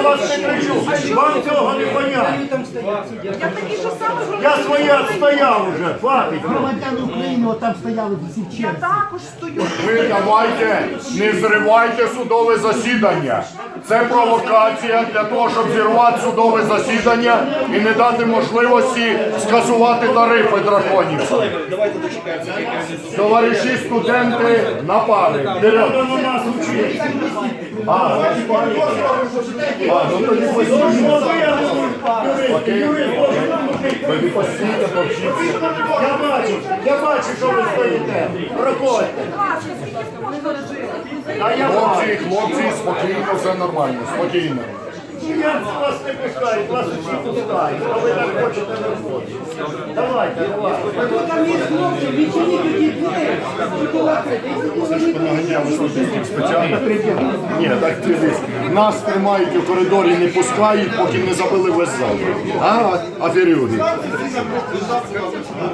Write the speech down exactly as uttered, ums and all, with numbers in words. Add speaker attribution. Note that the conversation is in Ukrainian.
Speaker 1: вас не кричу. Вам цього не понятно.
Speaker 2: Я такий же самий громадянин.
Speaker 1: Я своє відстояв уже, хватить.
Speaker 3: Громадяни України отам стояли всі в
Speaker 2: Я
Speaker 3: черзі.
Speaker 2: також стою.
Speaker 4: Ви давайте, не зривайте судове засідання. Це провокація для того, щоб зірвати судове засідання і не дати можливості скасувати тарифи драконів. Товариші студенти на пари. Вперед.
Speaker 1: Хто на нас учить?
Speaker 4: А, а, ну тоді постійно. Окей. Тоді постійно повчіться.
Speaker 1: Я бачу, я бачу, що ви стоїте. Проходьте.
Speaker 2: Будь ласка, скільки можна жити?
Speaker 1: А я
Speaker 4: Хлопці, хлопці, спокійно, все нормально, спокійно.
Speaker 1: Я вас не пускаю, вас усі пускають. А ви так хочете не виходити. Давайте, давайте.
Speaker 3: Там є хлопці, відчині тоді двері.
Speaker 4: Понаганяли службовців спеціально. Ні, так дивись. Нас тримають у коридорі, не пускають, поки не забили весь зал. А, аферюги.